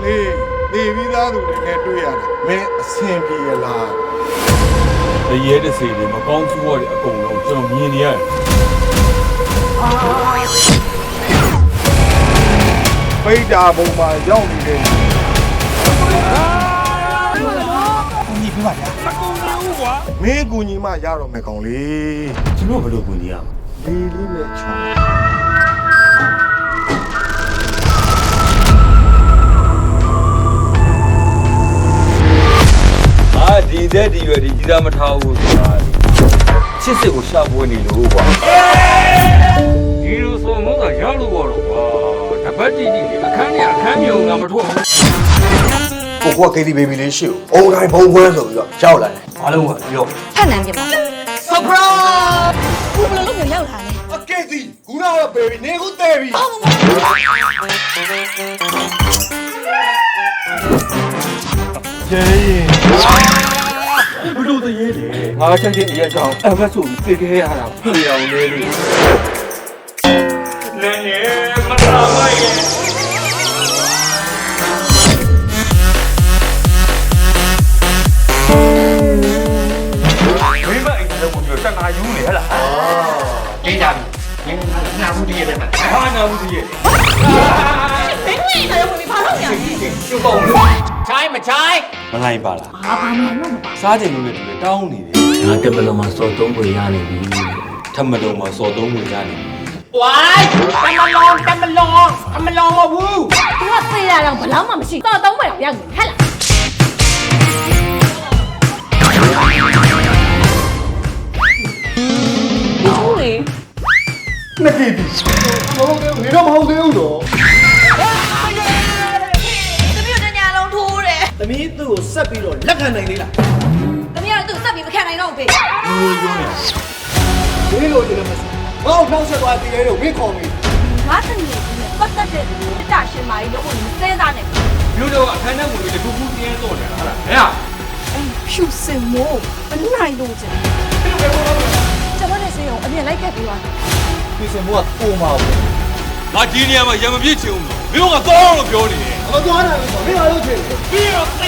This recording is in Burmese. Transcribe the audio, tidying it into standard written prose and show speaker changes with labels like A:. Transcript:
A: လေးနေပြီးသားသူတွေနဲ့တွေ့ရတယ်မင်းအဆင်ပြေရလား
B: ရဲတဲ့စီတွေမကောင်းဆိုးရတဲ့အကုန်လုံးကျွန်တော်မြင်နေရတယ်
A: ပိတ်တာပုံမှာရောက်နေတယ်
C: ညီပြပါဗျာမကုန်ဘူးကွာ
A: မင်းကူညီမရတော့မယ်ကောင်လေး
B: ကျွန်တော်ဘယ်လိုကူညီရမလဲ
A: လေးလေးနဲ့ချောင်း
B: ဒီတဲ့ဒီရွယ်ဒီကြီးစားမထားဘူးဆိုတာချစ်စစ်ကိုရှာပွေးနေလို့ကွာဒီလိုဆိုမှသာရောက်လို့တော့ကွာတပတ်တီတီအခန်းနဲ့အခန်းမြုံကမထွက်ဘူး
D: ကိုက KTV baby လေးရှိကိုအုံတိုင်းဘုံခွဲဆိုပြီးတော့ရောက်လာတယ်အားလုံးကပြော
E: ဖတ်နိုင်ပြပါ surprise ဘယ်လိုလုပ်မျိုးရောက်လာလဲ
A: အကဲစီခုနကတော့ baby နေခုတဲပြီကျေးဘလို့တရေလေငါချက်ချင်းတရက်ကြောင်အမတ်ဆိုပြီးပြေးခဲ့ရတာပြေအောင်လေးလေးနေနေမလာမရဲ့ဝိမအိမ်ထဲကိုပြောတနာယူနေဟလားတေးကြပြီနာဘူးတည်းရဲ့မှာဟာနာဘူးတည်းရဲ့
E: ဘယ်လိုလဲတော့ဘာလို့ညာလဲ
A: ကျုပ်ပေါ့ချိုင်းမချိုင်း
B: မလိုက်ပါလား
E: ဘာမှမလုပ်ပါ
B: စားကြလို့လည်းတူတောင်းနေတယ်
F: ငါတက်ပလုံးမှာစော်သုံးခွေရနေပြီ
B: ထပ်မလုံးမှာစော်သုံးဝင်ကြနေပြီ
A: ဝိုင်းတမလောမဘူး
E: သူကသိရတော့ဘလောက်မှမရှိတော့သုံးပဲရောက်နေဟဲ့လားဘူးလေ
A: နှစ်ကြည့်ပြီမဟုတ်သေးဘူးနေတော့မဟုတ်သေးဘူးတော့
E: သမီးတို့ညလုံးထိုးတယ်
D: သမီးသူ့ကိုဆက်ပြီးတော့လက်ခံနိုင်သေးလား
E: သမီးကသူ့စက်ပြီးမခံနိုင်တော့ဘူးဖေ
D: ဒီလိုကြည့်လို့မစငါ့ကိုနှောက်ဆက်သွားတည်ရဲတော့ဝင်းခေါ်မိ
E: ငါသမီးကပတ်သက်တဲ့တစ်တာရှင်မာကြီးလို့ကိုစဉ်းစားနေ
B: မြို့တော့အခန်းထဲဝင်ပြီးတခုခုပြင်းတော့တယ်ဟာလားဟဲ့
E: ဖြူစင်မို့ဘယ်နိုင်လို့ကျကျွန်တော်လည်းစေအောင်အမြင်လိုက်ခဲ့ပြီးသွား
D: ပြင်စင်မိုးကပုံမှာဘူး
B: ငါဒီနေရာမှာရံမပြည့်ချင်ဘူးမင်းတို့ကတော့လို့ပြောနေတယ်
D: အမသွားနိုင်ဘူးဆိုမင်းအားလို့ချင်တယ်
B: ပြီးတော့